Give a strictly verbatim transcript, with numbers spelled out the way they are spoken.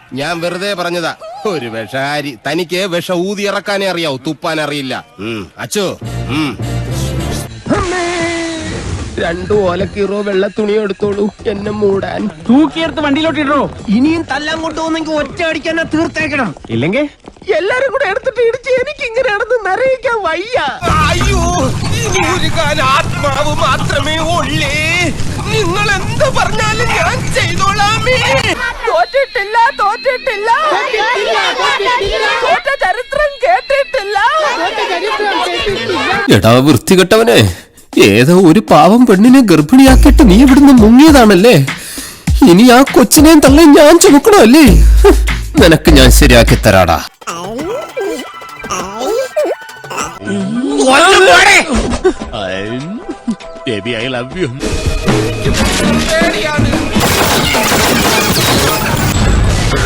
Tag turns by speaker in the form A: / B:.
A: ഞാൻ വെറുതെ പറഞ്ഞതാ. ഒരു വിഷകാരി. തനിക്ക് വിഷ ഊതി ഇറക്കാനേ അറിയാവൂ, തുപ്പാൻ അറിയില്ല. അച്ചോ രണ്ടു ഓലക്കീറോ വെള്ള തുണി എടുത്തോളൂ എന്നെ മൂടാൻ.
B: തൂക്കിയെടുത്ത് വണ്ടിയിലോട്ട് ഇടോ.
C: ഇനിയും തല്ലാൻ കൊണ്ടുപോകുന്നെങ്കിൽ ഒറ്റ അടിക്കാൻ തീർത്തേക്കണം.
B: ഇല്ലെങ്കിൽ
C: എല്ലാരും കൂടെ എടുത്തിട്ട് ഇടിച്ച് എനിക്ക് ഇങ്ങനെയാണെന്ന് നിറയിക്കാൻ വയ്യ.
A: അയ്യോ, ആത്മാവ് മാത്രമേ ഉള്ളേ. നിങ്ങൾ എന്ത് പറഞ്ഞാലും ഞാൻ ചെയ്തോളാമേ.
C: തോറ്റിട്ടില്ല തോറ്റിട്ടില്ല തോറ്റ ചരിത്രം കേട്ടിട്ടില്ല.
D: എടാ വൃത്തികെട്ടവനെ, ഏതോ ഒരു പാവം പെണ്ണിനെ ഗർഭിണിയാക്കിയിട്ട് നീ ഇവിടുന്ന് മുങ്ങിയതാണല്ലേ. ഇനി ആ കൊച്ചിനെയും തള്ളയും ഞാൻ ചുമക്കണമല്ലേ? നിനക്ക് ഞാൻ ശരിയാക്കി തരാടാ.
E: Baby, I love you.